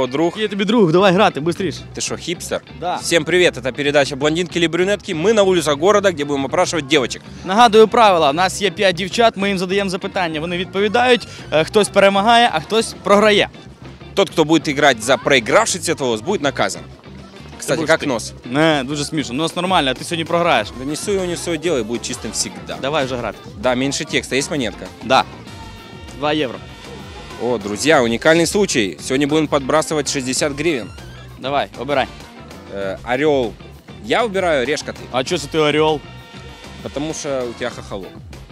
здорово, друг. Я тобі друг, давай грати, быстріше. Ты что, хипстер? Да. Всем привет, это передача «Блондинки или брюнетки». Мы на улицах города, где будем опрашивать девочек. Нагадую правила, у нас є 5 дівчат, ми їм задаємо запитання, вони відповідають, хтось перемагає, а хтось програє. Тот, кто будет играть за проигравший цветовоз, будет наказан. Кстати, как нос? Не, дуже смішно, нос нормально, а ти сьогодні програєш. Да несу его, не свое дело и будет чистым всегда. Давай вже грати. Да, меньше текста. Есть монетка? Да. 2 євро. О, друзья, уникальный случай. Сегодня будем подбрасывать 60 гривен. Давай, обирай. Орел. Я убираю, решка ты. А чого це ти орел? Потому что у тебя хохолок.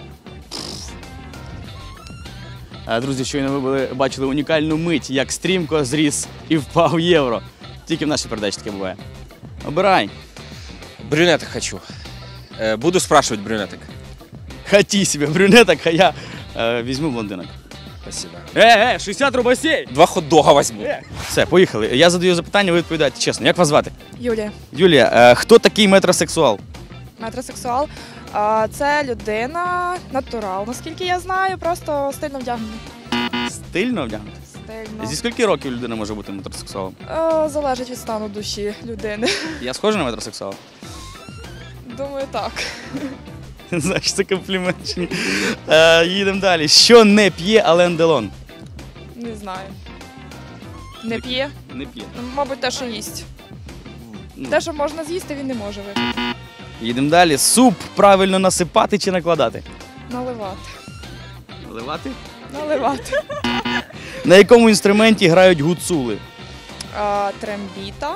Друзі, щойно ви бачили унікальну мить, як стрімко зріс і впав євро. Тільки в нашій передачі таке буває. Обирай. Брюнеток хочу. Буду спрашивать брюнеток. Хаті себе брюнеток, а я візьму блондинок. Спасибо. 60 рубасей! 2 хот-дога возьму. Все, поїхали. Я задаю запитання, ви відповідаєте чесно. Як вас звати? Юлія. Юлія, хто такий метросексуал? Метросексуал. Це людина, натурал, наскільки я знаю, просто стильно вдягнений. Стильно вдягнути? Стильно. Зі скільки років людина може бути метросексуалом? Залежить від стану душі людини. Я схожий на метросексуала? Думаю, так. Знаєш, це комплімент чи ні? Їдемо далі. Що не п'є Ален Делон? Не знаю. Не п'є? Не п'є. Мабуть, те, що їсть. Те, що можна з'їсти, він не може випити. Їдемо далі. Суп правильно насипати чи накладати? Наливати. Наливати? Наливати. На якому інструменті грають гуцули? Трембіта.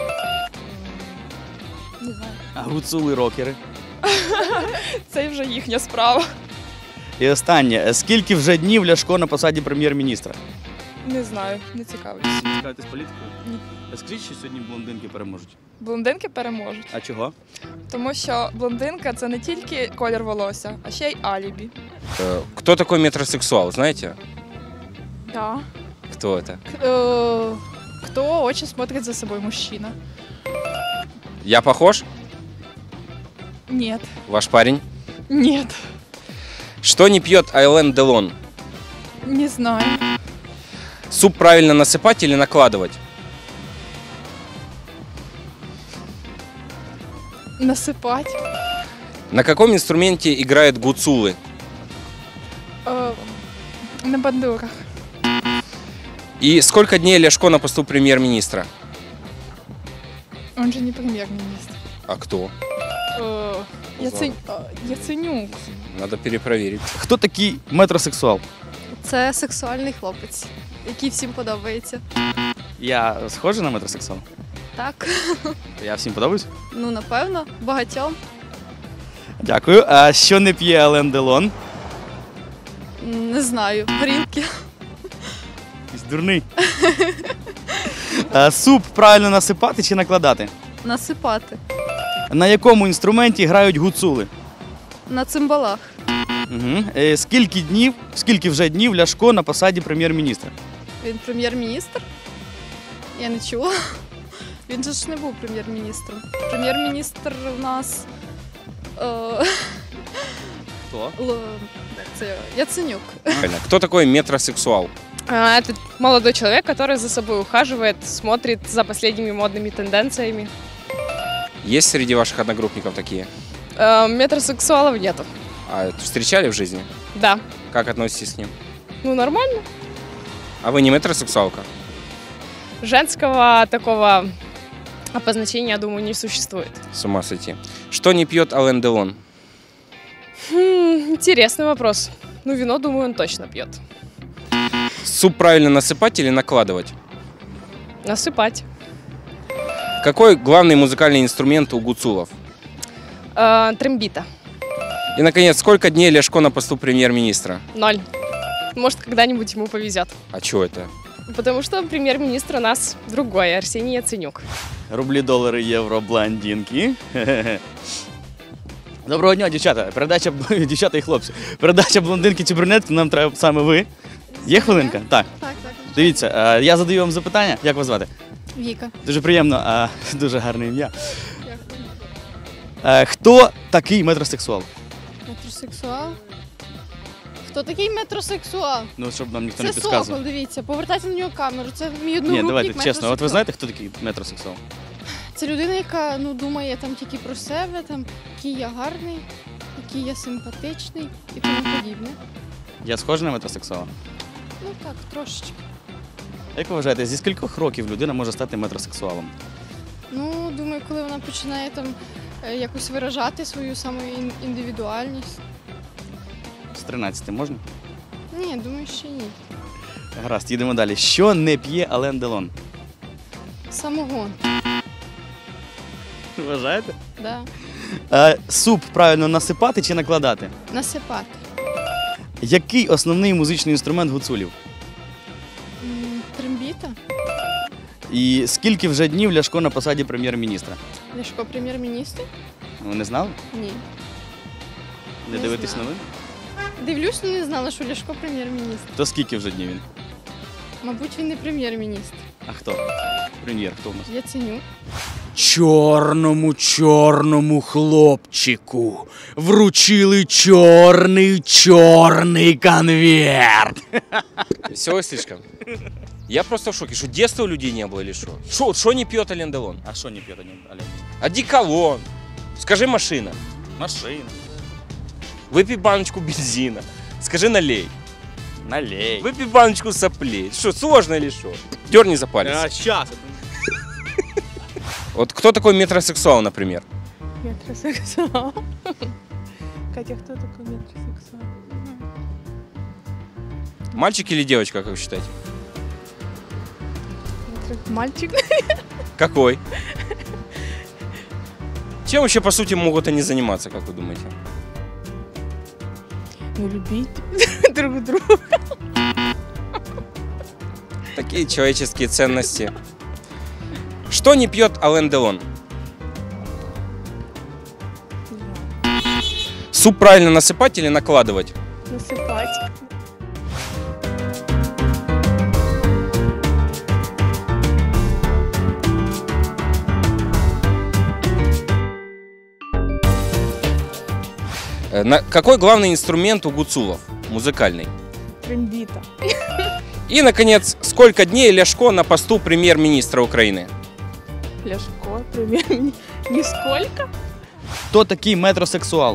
Не знаю. А гуцули рокери. Це вже їхня справа. І останнє. Скільки вже днів Ляшко на посаді прем'єр-міністра? Не знаю, не цікавлюсь. Цікавитесь політикою? Ні. Скажіть, що сьогодні блондинки переможуть. Блондинки переможуть. А чого? Тому що блондинка – це не тільки колір волосся, а ще й алібі. Кто такой метросексуал, знаете? Да. Кто это? Кто очень смотрит за собой мужчина? Я похож? Нет. Ваш парень? Нет. Что не пьет Ален Делон? Не знаю. Суп правильно насыпать или накладывать? Насыпать. На каком инструменте играют гуцулы? На бандурах. И сколько дней Ляшко на посту премьер-министра? Он же не премьер-министр. А кто? Яценюк. Надо перепроверить. Хто такий метросексуал? Це сексуальний хлопець, який всім подобається. Я схожий на метросексуал? Так, Я всім подобаюсь? ну напевно, багатьом. Дякую. А що не п'є Ален Делон? Не знаю, горілки. Якийсь дурний. Суп правильно насипати чи накладати? Насипати. На якому інструменті грають гуцули? На цимбалах. Угу. Скільки вже днів Ляшко на посаді прем'єр-міністра? Він прем'єр-міністр? Я не чула. Він же ж не був прем'єр-міністром. Прем'єр-міністр у нас Хто? це Яценюк. Правильно. Кто такой метросексуал? Это молодой человек, который за собой ухаживает, смотрит за последними модными тенденциями. Есть среди ваших одногруппников такие? Метросексуалов нету. А встречали в жизни? Да. Как относитесь к ним? Ну, нормально. А вы не метросексуалка? Женского такого обозначения, я думаю, не существует. С ума сойти. Что не пьет Ален Делон? Интересный вопрос. Ну, вино, думаю, он точно пьет. Суп правильно насыпать или накладывать? Насыпать. Какой главный музыкальный инструмент у гуцулов? Трембита. И, наконец, сколько дней Ляшко на посту премьер-министра? 0. Может, когда-нибудь ему повезет. А чё это? Потому что премьер-министр у нас другой, Арсений Яценюк. Рублі, долари, євро, блондинки. Доброго дня, дівчата. Передача дівчата і хлопці. Передача блондинки чи брюнетки, нам треба саме ви. Є хвилинка? Так. Так. Дивіться, я задаю вам запитання. Як вас звати? Віка. Дуже приємно, дуже гарне ім'я. Хто такий метросексуал? Метросексуал. Хто Хто такий метросексуал? Ну, щоб нам ніхто не Це підказував. Сокол, дивіться, повертайте на нього камеру. Це мій Ні, одногрупник давайте чесно. От ви метросексуал. знаєте, хто такий метросексуал? Це людина, яка думає там тільки про себе, там, який я гарний, який я симпатичний і тому подібне. Я схожий на метросексуала? Ну так, трошечки. Як ви вважаєте, зі скількох років людина може стати метросексуалом? Ну, думаю, коли вона починає там якось виражати свою самоіндивідуальність. З 13 можна? Ні, думаю, ще ні. Гаразд, їдемо далі. Що не п'є Ален Делон? Самогон, Вважаєте? да. Суп правильно насипати чи накладати? Насипати. Який основний музичний інструмент гуцулів? Трембіта. І скільки вже днів Ляшко на посаді прем'єр-міністра? Ляшко прем'єр-міністр? Ви не знали? Ні. Не Не дивитесь знаю. новин? Дивлюсь, але не знала, що Ляшко прем'єр-міністр. То скільки вже днів він? Мабуть, він не прем'єр-міністр. А хто? Прем'єр, хто у нас? Яценюк. Чорному хлопчику вручили чорний конверт. Веселый слишком. Я просто в шоке, что детства у людей не было или что? Что не пьет Ален Делон? А що не п'є Ален? Одеколон. Скажи машина. Машина. Выпей баночку бензина. Скажи налей. Налей. Выпей баночку соплей. Что, сложно или что? Дерни за палец. Щас. Вот кто такой метросексуал, например? Метросексуал. Катя, кто такой метросексуал? Мальчик или девочка, как вы считаете? Мальчик. Какой? Чем вообще, по сути, могут они заниматься, как вы думаете? Ну, любить друг друга. Такие человеческие ценности. Что не пьет Ален Делон? Суп правильно насыпать или накладывать? Насыпать. Какой главный инструмент у гуцулов? Музыкальный. Трембита. И, наконец, сколько дней Ляшко на посту премьер-министра Украины? Ляшко, прем'єр. Нисколько. Хто такий метросексуал?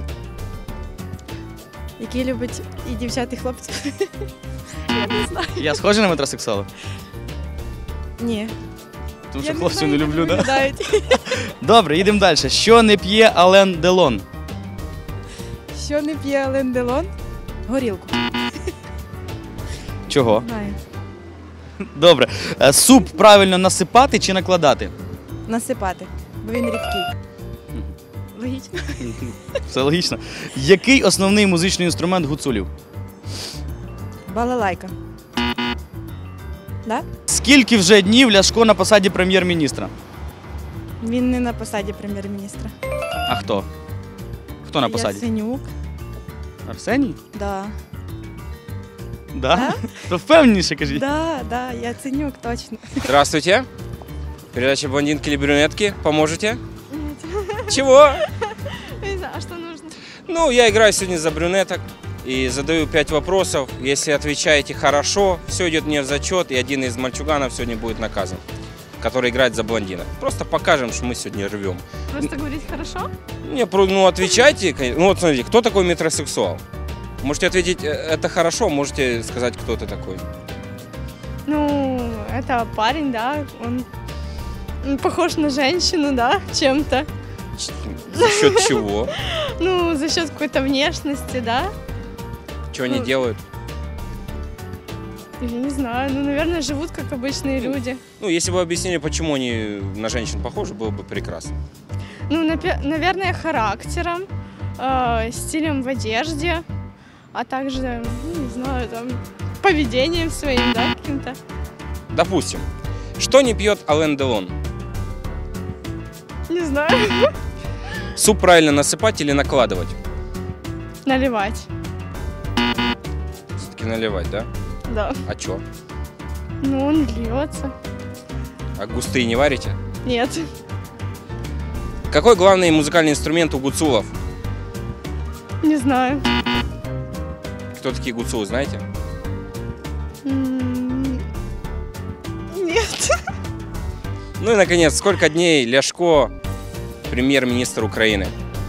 Який любить і дівчат, і хлопців. Я не знаю. Я схожий на метросексуала? Ні. Тому Я що хлопців знаю, не як люблю, так? виглядають. Добре, їдемо далі. Що не п'є Ален Делон? Що не п'є Ален Делон? Горілку. Чого? Знаю. Добре. Суп правильно насипати чи накладати? Насипати, бо він рідкий. Логічно. Все логічно. Який основний музичний інструмент гуцулів? Балалайка. Да? Скільки вже днів Ляшко на посаді прем'єр-міністра? Він не на посаді прем'єр-міністра. А хто? Хто на посаді? Яценюк. Арсеній? Да. Да? То впевненіше кажіть. Да, Яценюк, точно. Здравствуйте. Передача «Блондинки или брюнетки». Поможете? Чего? Не знаю, а що нужно? Ну, я играю сегодня за брюнеток и задаю 5 вопросов. Если отвечаете хорошо, все идет мне в зачет, и один из мальчуганов сегодня будет наказан, который играет за блондинок. Просто покажем, что мы сегодня рвем. Просто говорить хорошо? Не, ну отвечайте. Ну вот смотрите, кто такой метросексуал? Можете ответить, это хорошо, можете сказать, кто ты такой. Ну, это парень, да, он похож на женщину, да, чем-то. За счет чего? Ну, за счет какой-то внешности, да. Что они делают? Я не знаю, ну, наверное, живут как обычные люди. Ну, если бы объяснили, почему они на женщин похожи, было бы прекрасно. Ну, наверное, характером, стилем в одежде, а также, ну, не знаю, там, поведением своим, да, каким-то. Допустим, что не пьет Ален Делон? Не знаю, Суп правильно насыпать или накладывать? наливать, Все-таки наливать, да? да. А чё? Ну, он льется. А густые не варите? Нет, Какой главный музыкальный инструмент у гуцулов? не знаю. кто такие гуцулы, знаете? Нет. Ну и, наконец, сколько дней Ляшко премьер-министр Украины?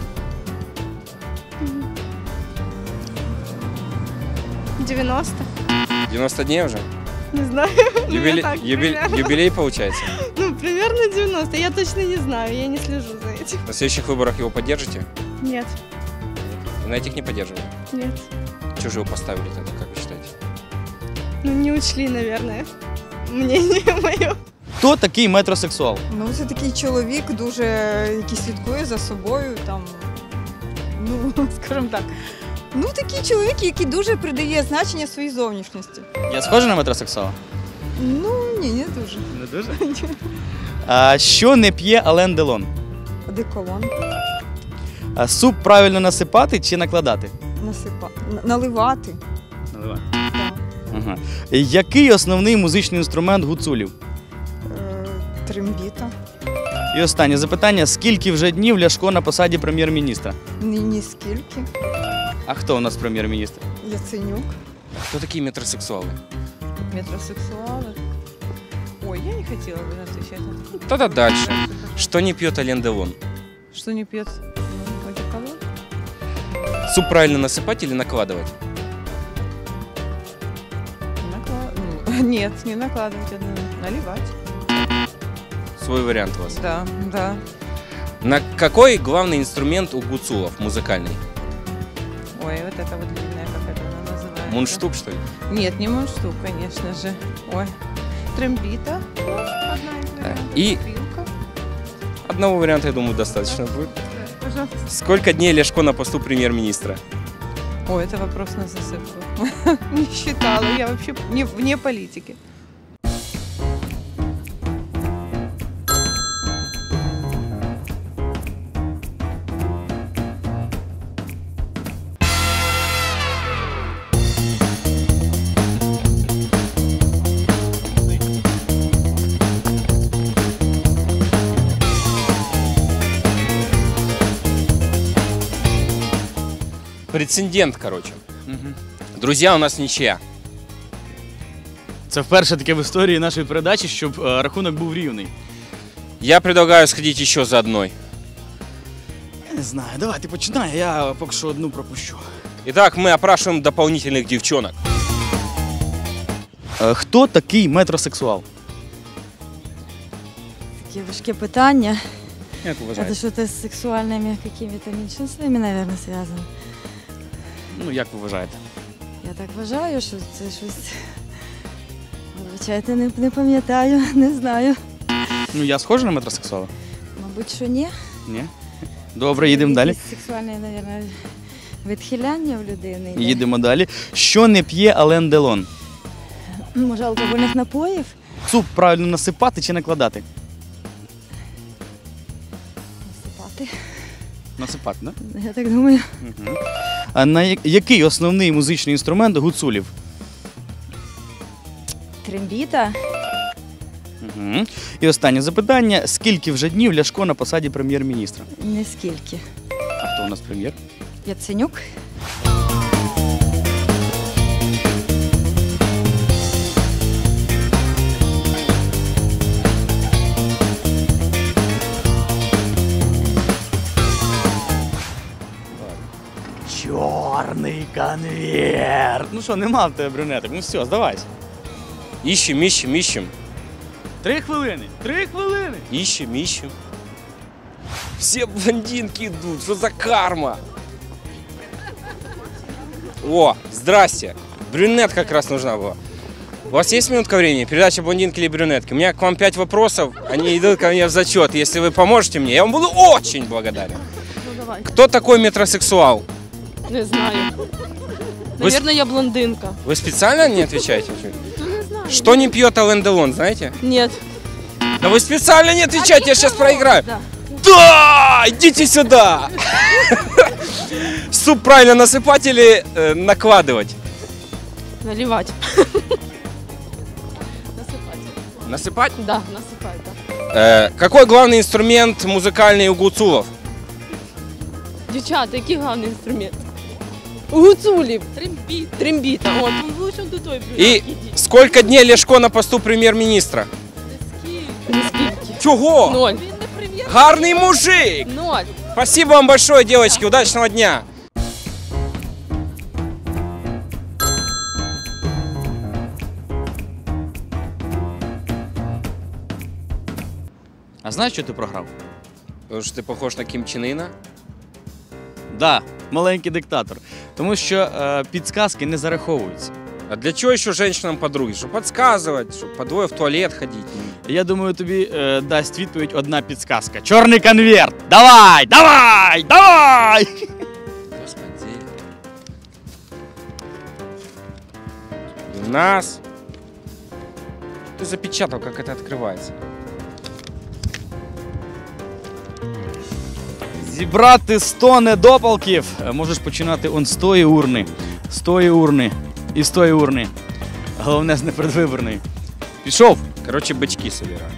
90. 90 дней уже? Не знаю. Юбилей, так примерно. юбилей получается? Ну, примерно 90. Я точно не знаю, я не слежу за этим. На следующих выборах его поддержите? Нет, И на этих не поддерживали? нет. Чего же его поставили тогда, как вы считаете? Ну, не учли, наверное, мнение мое. Хто такий метросексуал? Ну, це такий чоловік, дуже який слідкує за собою, там, ну, скажімо так. Ну, такий чоловік, який дуже придає значення своїй зовнішності. Я схожий на метросексуала? Ну, ні, не дуже. Не дуже. Що не п'є Ален Делон? Одеколон. Суп правильно насипати чи накладати? Наливати. Наливати. Так. Ага. Який основний музичний інструмент гуцулів? Трембіта. І останнє запитання: скільки вже днів Ляшко на посаді прем'єр-міністра? Ні скільки. А хто у нас прем'єр-міністр? Яценюк. Кто такие метросексуалы? Метросексуалы. Ой, я не хотела бы отвечать на это. Тогда дальше. Что не пьет Ален Делон? Что не пьет? Ну, одеколон. Суп правильно насыпать или накладывать? Нет, не накладывать, наливать. Свой вариант у вас. Да, да. На какой главный инструмент у гуцулов музыкальный? Ой, вот это вот длинная, как это она называется? Мундштук, что ли? Нет, не мундштук, конечно же. Ой, трембита. Ну, одна из вариантов. И- Пилка. Одного варианта, я думаю, достаточно будет. Пожалуйста. Сколько дней Ляшко на посту премьер-министра? Ой, это вопрос на засыпку. Не считала, я вообще вне политики. Прецедент, короче. Друзья, у нас ничья. Це вперше таке в історії нашої передачі, щоб рахунок був рівний. Я предлагаю сходить еще за одной. Я не знаю, давай ти починай, я поки що одну пропущу. Итак, мы опрашиваем дополнительных девчонок. Хто такий метросексуал? Такі важкі питання. Як Это вважаєте? что-то с сексуальными какими-то меньшинствами, наверное, связано. Ну, як ви вважаєте? Я так вважаю, що це щось. Вибачайте, не пам'ятаю, не знаю. Ну, я схожий на метросексуала? Мабуть, що ні. Ні. Добре, їдемо далі. Якісь сексуальне, мабуть, відхиляння в людини. йде. Їдемо далі. Що не п'є Ален Делон? Може, алкогольних напоїв? Суп правильно насипати чи накладати? Насипати. Насипати, так? Я так думаю. Угу. А який основний музичний інструмент гуцулів? Трембіта. Угу. І останнє запитання. Скільки вже днів Ляшко на посаді прем'єр-міністра? Не скільки. А хто у нас прем'єр? Яценюк. Чорний конверт. Ну що, нема в тебе брюнеток? Ну все, здавайся. Ищем, ищем, ищем. 3 хвилини. 3 хвилини. Ищем, ищем. Все блондинки идут. Что за карма? О, здрасте. Брюнет как раз нужна была. У вас есть минутка времени? Передача «Блондинки или брюнетки». У меня к вам 5 вопросов. Они идут ко мне в зачет. Если вы поможете мне, я вам буду очень благодарен. Ну, давай. Кто такой метросексуал? Не знаю. Наверное, я блондинка. Вы специально не отвечаете? Не знаю. Что не пьет Ален Делон, знаете? Нет. Да вы специально не отвечайте, я сейчас проиграю. Да. Да! Идите сюда! Суп правильно насыпать или накладывать? Наливать. Насыпать. Насыпать? Да, насыпать, да. Какой главный инструмент музыкальный у гуцулов? Дівчата, який головний інструмент? У Гуцулі. Трембіта. От, лучше до той. И сколько дней Ляшко на посту премьер-министра? Чего? 0. Гарный мужик! 0. Спасибо вам большое, девочки. Удачного дня. А знаєш, що ти програв? Потому что ты похож на Ким Чен Ына. Да, маленький диктатор. Тому що підсказки не зараховуються. А для чего еще женщинам подруги? Чтобы подсказывать, чтобы по двое в туалет ходить. Я думаю, тобі дасть відповідь одна підсказка. Чорний конверт! Давай! Давай! Давай! Господи. У нас... Ты запечатал, как это открывается. Зібрати 100 недопалків. Можеш починати он з тої урни. З тої урни. І з тої урни. Головне, з непередвиборної. Пішов. Короче, бычки собираю.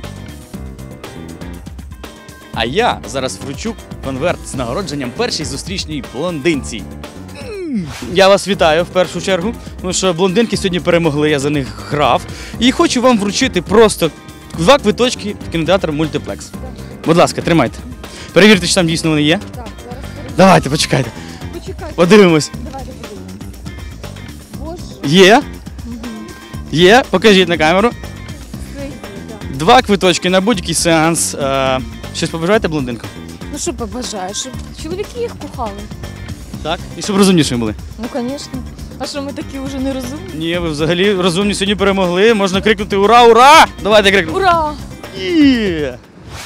А я зараз вручу конверт з нагородженням першій зустрічній блондинці. Я вас вітаю в першу чергу, тому що блондинки сьогодні перемогли, я за них грав. І хочу вам вручити просто 2 квиточки в кінотеатр Мультиплекс. Будь ласка, тримайте. Перевірте, чи там дійсно вони є. Так, зараз Давайте, почекайте. почекайте. Подивимось. Давайте подивимось. Боже, Є? Є? Покажіть на камеру. це є, так. 2 квиточки на будь-який сеанс. Щось побажаєте блондинкам? Ну що побажаю, щоб чоловіки їх кохали. Так? І щоб розумнішими були. Ну, звісно. А що ми такі вже не розумні? Ні, ви взагалі розумні сьогодні перемогли. Можна крикнути ура, ура! Давайте крикнемо. Ура! Є!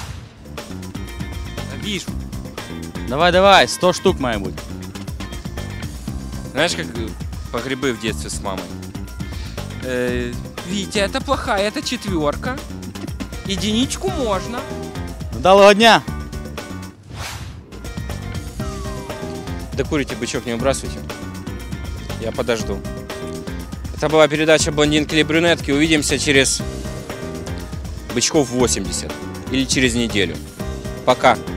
Видишь, Давай, давай, 100 штук має бути. знаешь, как по грибы в детстве с мамой? Витя, это плохая, это 4. Единичку можно. Вдалого дня! Докурите, бычок, не выбрасывайте. Я подожду. Это была передача «Блондинки или брюнетки». Увидимся через бычков 80. Или через неделю. Пока.